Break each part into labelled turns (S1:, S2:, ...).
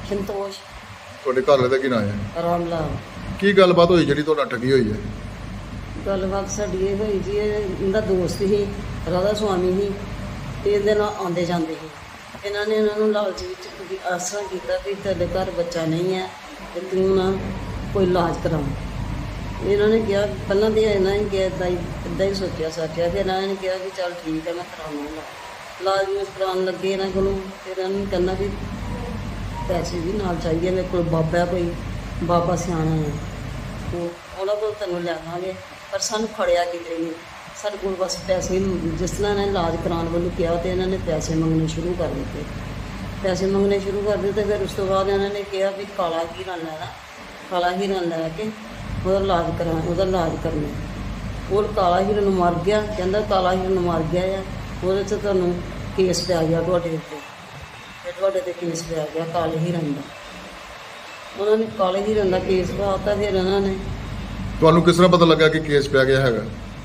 S1: ਸੰਤੋਸ਼
S2: ਤੁਹਾਡੇ ਘਰ ਵਾਲੇ ਦਾ ਕੀ ਨਾਂ ਹੈ?
S1: ਰਾਮ ਲਾਲ।
S2: ਕੀ ਗੱਲਬਾਤ ਹੋਈ ਜਿਹੜੀ ਤੁਹਾਡਾ ਠੱਗੀ ਹੋਈ ਹੈ?
S1: ਗੱਲਬਾਤ ਸਾਡੀ ਇਹ ਹੋਈ ਜੀ, ਇਹਦਾ ਦੋਸਤ ਸੀ, ਰਾਧਾ ਸੁਆਮੀ ਸੀ, ਤੇ ਇਹਦੇ ਨਾਲ ਆਉਂਦੇ ਜਾਂਦੇ ਸੀ। ਇਹਨਾਂ ਨੇ ਇਹਨਾਂ ਨੂੰ ਲਾਲਚ ਵਿੱਚ ਵੀ ਆਸਰਾ ਕੀਤਾ ਵੀ ਤੁਹਾਡੇ ਘਰ ਬੱਚਾ ਨਹੀਂ ਹੈ ਤੇ ਤੂੰ ਨਾ ਕੋਈ ਇਲਾਜ ਕਰਾਓ। ਇਹਨਾਂ ਨੇ ਕਿਹਾ, ਪਹਿਲਾਂ ਤਾਂ ਇਹਨਾਂ ਨੇ ਕਿਹਾ ਇੱਦਾਂ ਹੀ ਸੋਚਿਆ ਸਾਚਿਆ, ਫਿਰ ਇਹਨਾਂ ਨੇ ਕਿਹਾ ਕਿ ਚੱਲ ਠੀਕ ਹੈ ਮੈਂ ਕਰਾਵਾਂਗਾ ਇਲਾਜ। ਨੂੰ ਕਰਾਉਣ ਲੱਗੇ ਇਹਨਾਂ ਕੋਲੋਂ, ਫਿਰ ਇਹਨਾਂ ਨੂੰ ਕਹਿੰਦਾ ਵੀ ਪੈਸੇ ਵੀ ਨਾਲ ਚਾਹੀਦੇ, ਮੇਰੇ ਕੋਲ ਬਾਬਾ ਕੋਈ ਬਾਬਾ ਸਿਆਣਾ ਹੈ, ਉਹਨਾਂ ਕੋਲ ਤੈਨੂੰ ਲਿਆਵਾਂਗੇ, ਪਰ ਸਾਨੂੰ ਖੜਿਆ ਕਿਤੇ ਨਹੀਂ। ਸਾਡੇ ਕੋਲ ਬਸ ਪੈਸੇ, ਜਿਸ ਤਰ੍ਹਾਂ ਇਹਨਾਂ ਨੇ ਇਲਾਜ ਕਰਾਉਣ ਵੱਲੋਂ ਕਿਹਾ ਤੇ ਇਹਨਾਂ ਨੇ ਪੈਸੇ ਮੰਗਣੇ ਸ਼ੁਰੂ ਕਰ ਦਿੱਤੇ। ਪੈਸੇ ਮੰਗਣੇ ਸ਼ੁਰੂ ਕਰ ਦਿੱਤੇ। ਫਿਰ ਉਸ ਤੋਂ ਬਾਅਦ ਇਹਨਾਂ ਨੇ ਕਿਹਾ ਵੀ ਕਾਲਾ ਹੀਰਾ ਲੈਣਾ, ਕਾਲਾ ਹੀਰਾ ਲੈ ਕੇ ਉਹਦਾ ਇਲਾਜ ਕਰਨਾ। ਉਹ ਕਾਲਾ ਹੀਰਾ ਨੂੰ ਮਰ ਗਿਆ, ਕਹਿੰਦਾ ਕਾਲਾ ਹੀਰਾ ਨੂੰ ਮਰ ਗਿਆ ਆ, ਉਹਦੇ 'ਚ ਤੁਹਾਨੂੰ ਕੇਸ ਪੈ ਗਿਆ ਤੁਹਾਡੇ ਉੱਤੇ, ਤੇ ਤੁਹਾਡੇ 'ਤੇ ਕੇਸ ਪੈ ਗਿਆ ਕਾਲੇ ਹੀਰਨ ਦਾ। ਉਹਨਾਂ ਨੇ ਕਾਲੇ ਹੀਰਨ ਦਾ ਕੇਸ ਪਾਤਾ। ਫਿਰ ਇਹਨਾਂ ਨੇ
S2: ਤੁਹਾਨੂੰ ਕਿਸ ਤਰ੍ਹਾਂ ਪਤਾ ਲੱਗਾ ਕਿ ਕੇਸ ਪੈ ਗਿਆ ਹੈਗਾ?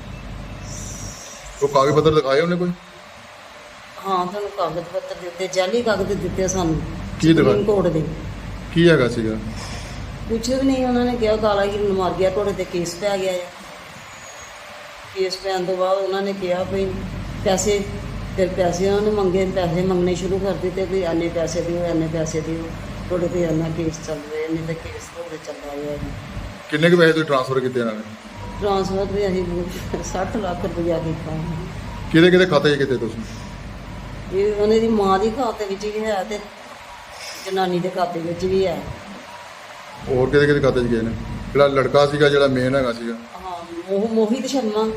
S2: ਉਹ ਕਾਗਜ਼ ਪੱਤਰ ਦਿਖਾਏ ਉਹਨੇ ਕੋਈ?
S1: ਹਾਂ, ਤੁਹਾਨੂੰ ਕਾਗਜ਼ ਪੱਤਰ ਦਿੱਤੇ, ਜਾਲੀ ਕਾਗਜ਼ ਦਿੱਤੇ ਸਾਨੂੰ
S2: ਕੀ ਦਿਖਾ-
S1: ਸੁਪਰੀਮ ਕੋਰਟ ਦੇ।
S2: ਕੀ ਹੈਗਾ ਸੀਗਾ?
S1: ਕੁਛ ਵੀ ਨਹੀਂ, ਉਹਨਾਂ ਨੇ ਕਿਹਾ ਕਾਲਾ ਹੀਰਨ ਮਰ ਗਿਆ, ਤੁਹਾਡੇ 'ਤੇ ਕੇਸ ਪੈ ਗਿਆ ਹੈ। ਕੇਸ ਪੈਣ ਤੋਂ ਬਾਅਦ ਉਹਨਾਂ ਨੇ ਕਿਹਾ ਵੀ ਪੈਸੇ, ਫਿਰ ਪੈਸੇ ਉਹਨਾਂ ਨੇ ਮੰਗੇ, ਪੈਸੇ ਮੰਗਣੇ ਸ਼ੁਰੂ ਕਰ ਦਿੱਤੇ ਵੀ ਇੰਨੇ ਪੈਸੇ ਦਿਓ, ਇੰਨੇ ਪੈਸੇ ਦਿਓ, ਤੁਹਾਡੇ 'ਤੇ ਇੰਨਾ ਕੇਸ ਚੱਲ ਰਿਹਾ, ਇੰਨੇ ਤਾਂ ਕੇਸ ਤੁਹਾਡੇ ਚੱਲ ਰਿਹਾ ਹੈ।
S2: ਕਿੰਨੇ ਕੁ ਪੈਸੇ ਤੁਸੀਂ ਟ੍ਰਾਂਸਫਰ ਕੀਤੇ ਇਹਨਾਂ ਨੇ?
S1: ਟ੍ਰਾਂਸਫਰ ਵੀ ਅਸੀਂ 60 ਲੱਖ ਰੁਪਇਆ ਕੀਤਾ।
S2: ਕਿਹਦੇ ਕਿਹਦੇ ਖਾਤੇ 'ਚ ਕੀਤੇ ਤੁਸੀਂ?
S1: ਇਹ ਉਹਨਾਂ ਦੀ ਮਾਂ ਦੀ ਖਾਤੇ ਵਿੱਚ ਵੀ ਹੈ ਤੇ ਜਨਾਨੀ ਦੇ ਖਾਤੇ ਵਿੱਚ ਵੀ ਹੈ।
S2: ਹੋਰ ਕਿਹਦੇ ਕਿਹਦੇ ਖਾਤੇ 'ਚ ਗਏ ਨੇ? ਜਿਹੜਾ ਲੜਕਾ ਸੀਗਾ, ਜਿਹੜਾ ਮੇਨ ਹੈਗਾ ਸੀਗਾ?
S1: ਹਾਂ, ਮੋਹਿਤ ਸ਼ਰਮਾ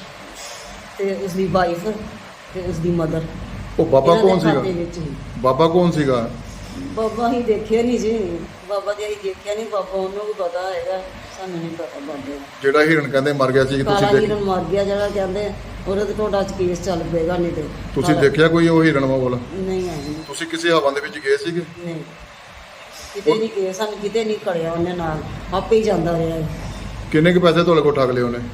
S1: ਤੇ ਉਸਦੀ ਵਾਈਫ ਤੇ ਉਸਦੀ ਮਦਰ।
S2: ਉਹ ਬਾਬਾ ਕੌਣ ਸੀਗਾ?
S1: ਵਿੱਚ ਹੀ
S2: ਬਾਬਾ ਕੌਣ ਸੀਗਾ?
S1: ਬਾਬਾ ਹੀ ਦੇਖਿਆ ਨਹੀਂ ਜੀ, ਬਾਬਾ ਦੀ ਅਸੀਂ ਦੇਖਿਆ ਨਹੀਂ, ਬਾਬਾ ਉਹਨੂੰ ਵੀ ਪਤਾ ਹੈਗਾ, ਸਾਨੂੰ ਨਹੀਂ ਪਤਾ ਬਾਬੇ ਦਾ।
S2: ਜਿਹੜਾ ਹਿਰਨ ਕਹਿੰਦੇ ਮਰ ਗਿਆ ਸੀ,
S1: ਕਾਲਾ
S2: ਤੁਸੀਂ
S1: ਹੀਰਨ ਮਰ ਗਿਆ ਜਿਹੜਾ ਕਹਿੰਦੇ, ਉਹਦੇ ਤੇ ਤੁਹਾਡਾ ਕੇਸ ਚੱਲ ਪਏਗਾ। ਨਹੀਂ ਤੇ
S2: ਤੁਸੀਂ ਦੇਖਿਆ ਕੋਈ ਉਹ ਹਿਰਨ ਕੋਲ?
S1: ਨਹੀਂ ਆਈ।
S2: ਤੁਸੀਂ ਕਿਸੇ ਹਵਾ ਦੇ ਵਿੱਚ ਗਏ ਸੀਗੇ?
S1: ਨਹੀਂ, ਕਿਤੇ ਨਹੀਂ ਗਏ, ਸਾਨੂੰ ਕਿਤੇ ਨਹੀਂ ਕੜਿਆ ਉਹਨੇ, ਨਾਲ ਆਪੇ ਹੀ ਜਾਂਦਾ ਰਿਹਾ।
S2: ਕਿੰਨੇ ਕੁ ਪੈਸੇ ਤੁਹਾਡੇ ਕੋਲ ਠੱਗ ਲਏ ਉਹਨੇ?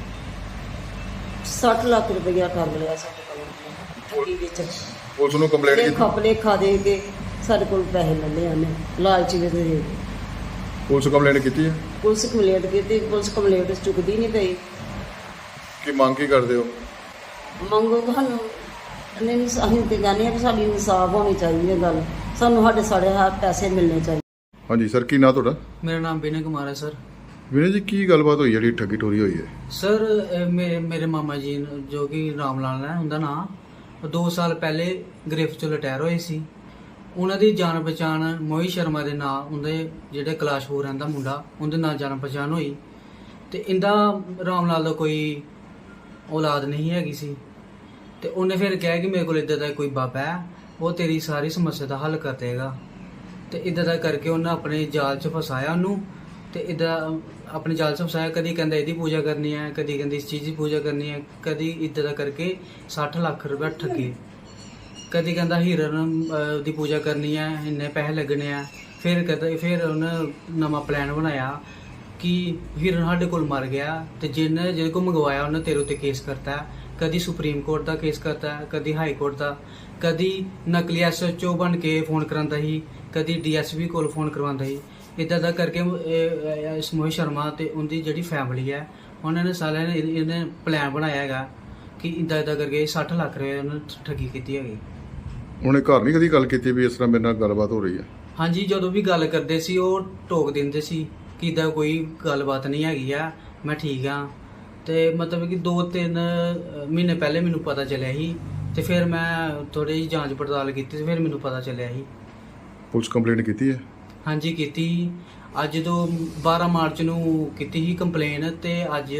S1: 60 ਲੱਖ ਰੁਪਇਆ ਠੱਗ ਲਿਆ ਸਾਡੇ ਕੋਲੋਂ ਠੱਗੀ ਵਿੱਚ।
S2: ਪੁਲਿਸ ਨੂੰ ਕੰਪਲੇਂਟ
S1: ਤੇ
S2: ਕੀਤੀ?
S1: ਖਪਲੇ ਖਾ ਦੇ ਕੇ ਸਾਡੇ ਕੋਲ ਪੈਸੇ ਲੈ ਲਏ ਉਹਨੇ, ਲਾਲਚ ਵਿੱਚ ਦੇ ਕੇ।
S2: ਪੁਲਿਸ ਕੰਪਲੇਂਟ ਕੀਤੀ ਹੈ?
S1: ਪੁਲਿਸ ਕੰਪਲੇਂਟ ਕੀਤੀ, ਪੁਲਿਸ ਕੰਪਲੇਂਟ ਚੁੱਕਦੀ ਨਹੀਂ ਪਈ।
S2: ਕੀ ਮੰਗ ਕੀ ਕਰਦੇ ਹੋ?
S1: ਮੰਗੋ ਸਾਨੂੰ ਨਹੀਂ, ਅਸੀਂ ਤੇ ਕਹਿੰਦੇ ਹਾਂ ਕਿ ਸਾਡੀ ਇਨਸਾਫ ਹੋਣੀ ਚਾਹੀਦੀ ਹੈ ਗੱਲ, ਸਾਨੂੰ ਸਾਡੇ ਹੱਥ ਪੈਸੇ ਮਿਲਣੇ ਚਾਹੀਦੇ।
S2: ਹਾਂਜੀ ਸਰ, ਕੀ ਨਾਂ ਤੁਹਾਡਾ?
S3: ਮੇਰਾ ਨਾਮ ਵਿਨय ਕੁਮਾਰ ਹੈ ਸਰ।
S2: ਵਿਨੇ ਜੀ, ਕੀ ਗੱਲਬਾਤ ਹੋਈ ਜਿਹੜੀ ਠੱਗੀ ਟੋਰੀ ਹੋਈ ਹੈ?
S3: ਸਰ ਮੇਰੇ ਮਾਮਾ ਜੀ ਜੋ ਕਿ ਰਾਮ ਲਾਲ ਹੈ ਉਹਦਾ ਨਾਂ, 2 ਸਾਲ ਪਹਿਲੇ ਗ੍ਰਿਫਤ ਚੋਂ ਰਿਟਾਇਰ ਹੋਏ ਸੀ। ਉਹਨਾਂ ਦੀ ਜਾਣ ਪਛਾਣ ਮੋਹਿਤ ਸ਼ਰਮਾ ਦੇ ਨਾਂ, ਉਹਦੇ ਜਿਹੜੇ ਕਲਾਸ਼ਪੁਰ ਰਹਿੰਦਾ ਮੁੰਡਾ, ਉਹਦੇ ਨਾਲ ਜਾਣ ਪਛਾਣ ਹੋਈ। ਤੇ ਇਹਦਾ ਰਾਮ ਲਾਲ ਦਾ ਕੋਈ ਔਲਾਦ ਨਹੀਂ ਹੈਗੀ ਸੀ। ਤੇ ਉਹਨੇ ਫਿਰ ਕਿਹਾ ਕਿ ਮੇਰੇ ਕੋਲ ਇੱਦਾਂ ਦਾ ਕੋਈ ਬਾਬਾ ਹੈ, ਉਹ ਤੇਰੀ ਸਾਰੀ ਸਮੱਸਿਆ ਦਾ ਹੱਲ ਕਰ ਦੇਗਾ। ਤੇ ਇੱਦਾਂ ਦਾ ਕਰਕੇ ਉਹਨੇ ਆਪਣੇ ਜਾਲ 'ਚ ਫਸਾਇਆ ਉਹਨੂੰ। ਤੇ ਇੱਦਾਂ ਆਪਣੇ ਜਾਲ 'ਚ ਫਸਾਇਆ, ਕਦੀ ਕਹਿੰਦਾ ਇਹਦੀ ਪੂਜਾ ਕਰਨੀ ਹੈ, ਕਦੀ ਕਹਿੰਦੀ ਇਸ ਚੀਜ਼ ਦੀ ਪੂਜਾ ਕਰਨੀ ਹੈ, ਕਦੀ ਇੱਦਾਂ ਦਾ ਕਰਕੇ 60 ਲੱਖ ਰੁਪਏ ਠੱਗੇ। ਕਦੀ ਕਹਿੰਦਾ ਹੀਰਨ ਦੀ ਪੂਜਾ ਕਰਨੀ ਹੈ, ਇੰਨੇ ਪੈਸੇ ਲੱਗਣੇ ਆ। ਫਿਰ ਉਹਨੇ ਨਵਾਂ ਪਲਾਨ ਬਣਾਇਆ ਕਿ ਹੀਰਨ ਸਾਡੇ ਕੋਲ ਮਰ ਗਿਆ ਤੇ ਜਿਹਦੇ ਕੋਲ ਮੰਗਵਾਇਆ ਉਹਨੇ ਤੇਰੇ ਉੱਤੇ ਕੇਸ ਕਰਤਾ। ਕਦੀ ਸੁਪਰੀਮ ਕੋਰਟ ਦਾ ਕੇਸ ਕਰਤਾ, ਕਦੀ ਹਾਈ ਕੋਰਟ ਦਾ, ਕਦੀ ਨਕਲੀ SHO ਬਣ ਕੇ ਫੋਨ ਕਰਾਉਂਦਾ ਸੀ, ਕਦੀ DSP ਕੋਲ ਫੋਨ ਕਰਵਾਉਂਦਾ ਸੀ। ਇੱਦਾਂ ਦਾ ਕਰਕੇ ਇਸ ਮੋਹਿਤ ਸ਼ਰਮਾ ਤੇ ਉਹਦੀ ਜਿਹੜੀ ਫੈਮਿਲੀ ਹੈ, ਉਹਨਾਂ ਨੇ ਸਾਰਿਆਂ ਨੇ ਇਹਨੇ ਪਲਾਨ ਬਣਾਇਆ ਹੈਗਾ ਕਿ ਇੱਦਾਂ ਕਰਕੇ 60 ਲੱਖ ਰੁਪਏ ਉਹਨੇ ਠੱਗੀ ਕੀਤੀ ਹੈਗੀ।
S2: ਉਹਨੇ ਘਰ ਨਹੀਂ ਕਦੀ ਗੱਲ ਕੀਤੀ ਵੀ ਇਸ ਤਰ੍ਹਾਂ ਮੇਰੇ ਨਾਲ ਗੱਲਬਾਤ ਹੋ ਰਹੀ ਹੈ?
S3: ਹਾਂਜੀ, ਜਦੋਂ ਵੀ ਗੱਲ ਕਰਦੇ ਸੀ ਉਹ ਟੋਕ ਦਿੰਦੇ ਸੀ ਕਿ ਇੱਦਾਂ ਕੋਈ ਗੱਲਬਾਤ ਨਹੀਂ ਹੈਗੀ ਆ, ਮੈਂ ਠੀਕ ਆ। ਤੇ ਮਤਲਬ ਕਿ 2-3 ਮਹੀਨੇ ਪਹਿਲੇ ਮੈਨੂੰ ਪਤਾ ਚੱਲਿਆ ਸੀ, ਤੇ ਫਿਰ ਮੈਂ ਥੋੜੀ ਜਿਹੀ ਜਾਂਚ ਪੜਤਾਲ ਕੀਤੀ ਤੇ ਫਿਰ ਮੈਨੂੰ ਪਤਾ ਚੱਲਿਆ ਸੀ।
S2: ਪੁਲਿਸ ਕੰਪਲੇਂਟ ਕੀਤੀ ਹੈ?
S3: ਹਾਂਜੀ ਕੀਤੀ। ਅੱਜ ਤੋਂ 12 ਮਾਰਚ ਨੂੰ ਕੀਤੀ ਸੀ ਕੰਪਲੇਨ, ਤੇ ਅੱਜ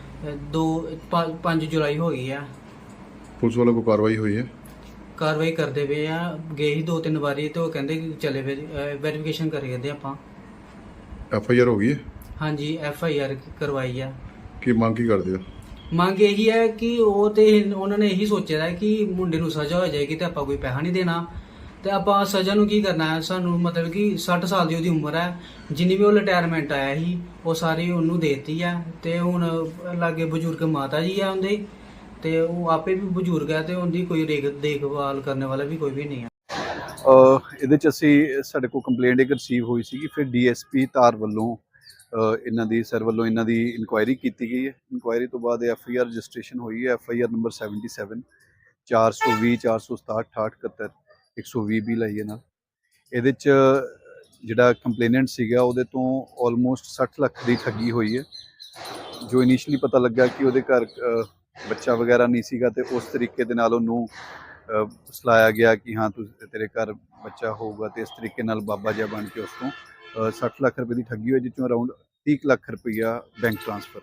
S3: 5 ਜੁਲਾਈ ਹੋ ਗਈ ਆ।
S2: ਪੁਲਿਸ ਵੱਲੋਂ ਕੋਈ ਕਾਰਵਾਈ ਹੋਈ ਹੈ?
S3: ਕਾਰਵਾਈ ਕਰਦੇ ਪਏ ਆ, ਗਏ ਸੀ 2-3 ਵਾਰੀ ਤੇ ਉਹ ਕਹਿੰਦੇ ਕਿ ਚਲੇ ਵੈਰੀਫਿਕੇਸ਼ਨ ਕਰੀਏ ਆਪਾਂ।
S2: FIR ਹੋ ਗਈ ਹੈ?
S3: ਹਾਂਜੀ, FIR ਕਰਵਾਈ ਆ।
S2: ਕੀ ਮੰਗ ਕੀ ਕਰਦੇ ਹੋ?
S3: ਮੰਗ ਇਹੀ ਹੈ ਕਿ ਉਹਨਾਂ ਨੇ ਇਹੀ ਸੋਚਿਆ ਹੈ ਕਿ ਮੁੰਡੇ ਨੂੰ ਸਜ਼ਾ ਹੋ ਜਾਏਗੀ ਤੇ ਆਪਾਂ ਕੋਈ ਪੈਸਾ ਨਹੀਂ ਦੇਣਾ, ਤੇ ਆਪਾਂ ਸਜ਼ਾ ਨੂੰ ਕੀ ਕਰਨਾ ਹੈ। ਸਾਨੂੰ ਮਤਲਬ ਕਿ 60 ਸਾਲ ਦੀ ਉਹਦੀ ਉਮਰ ਹੈ, ਜਿੰਨੀ ਵੀ ਉਹ ਰਿਟਾਇਰਮੈਂਟ ਆਇਆ ਸੀ ਉਹ ਸਾਰੀ ਉਹਨੂੰ ਦੇਤੀ ਹੈ। ਤੇ ਹੁਣ ਲਾਗੇ ਬਜ਼ੁਰਗ ਮਾਤਾ ਜੀ ਆ ਉਹਦੇ, ਤੇ ਉਹ ਆਪੇ ਵੀ ਬਜ਼ੁਰਗ ਹੈ ਤੇ ਉਹਦੀ ਕੋਈ ਦੇਖਭਾਲ ਕਰਨ ਵਾਲਾ ਵੀ ਕੋਈ ਵੀ ਨਹੀਂ ਹੈ।
S4: ਇਹਦੇ 'ਚ ਅਸੀਂ ਸਾਡੇ ਕੋਲ ਕੰਪਲੇਂਟ ਇੱਕ ਰਿਸੀਵ ਹੋਈ ਸੀਗੀ, ਫਿਰ ਡੀਐਸਪੀ ਧਾਰ ਵੱਲੋਂ ਇਹਨਾਂ ਦੀ ਸਰ ਵੱਲੋਂ ਇਹਨਾਂ ਦੀ ਇਨਕੁਆਇਰੀ ਕੀਤੀ ਗਈ ਹੈ। ਇਨਕੁਆਇਰੀ ਤੋਂ ਬਾਅਦ ਐਫਆਈਆਰ ਰਜਿਸਟ੍ਰੇਸ਼ਨ ਹੋਈ ਹੈ, ਐਫਆਈਆਰ ਨੰਬਰ 77 420 467 68 71 120 ਵੀ ਲਈ ਹੈ ਨਾਲ। ਇਹਦੇ 'ਚ ਜਿਹੜਾ ਕੰਪਲੇਨੈਂਟ ਸੀਗਾ ਉਹਦੇ ਤੋਂ ਆਲਮੋਸਟ 60 ਲੱਖ ਦੀ ਠੱਗੀ ਹੋਈ ਹੈ। ਜੋ ਇਨੀਸ਼ੀਅਲੀ ਪਤਾ ਲੱਗਾ ਕਿ ਉਹਦੇ ਘਰ ਬੱਚਾ ਵਗੈਰਾ ਨਹੀਂ ਸੀਗਾ ਤੇ ਉਸ ਤਰੀਕੇ ਦੇ ਨਾਲ ਉਹਨੂੰ ਸਲਾਇਆ ਗਿਆ ਕਿ ਹਾਂ ਤੇਰੇ ਘਰ ਬੱਚਾ ਹੋਊਗਾ, ਤੇ ਇਸ ਤਰੀਕੇ ਨਾਲ ਬਾਬਾ ਜਿਹਾ ਬਣ ਕੇ ਉਸ ਤੋਂ 60 ਲੱਖ ਰੁਪਏ ਦੀ ਠੱਗੀ ਹੋਈ, ਜਿਸ ਚੋਂ ਅਰਾਊਂਡ 30 ਲੱਖ ਰੁਪਈਆ ਬੈਂਕ ਟ੍ਰਾਂਸਫਰ।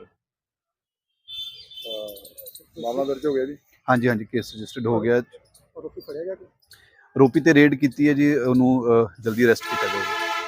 S2: ਮਾਮਲਾ ਦਰਜ ਹੋ ਗਿਆ ਜੀ।
S4: ਹਾਂਜੀ ਹਾਂਜੀ, ਕੇਸ ਰਜਿਸਟਰਡ ਹੋ ਗਿਆ।
S2: ਆਰੋਪੀ ਫੜਿਆ ਗਿਆ?
S4: ਆਰੋਪੀ ਤੇ ਰੇਡ ਕੀਤੀ ਹੈ ਜੀ, ਉਹਨੂੰ ਜਲਦੀ ਅਰੈਸਟ ਕੀਤਾ ਜਾਊਗਾ।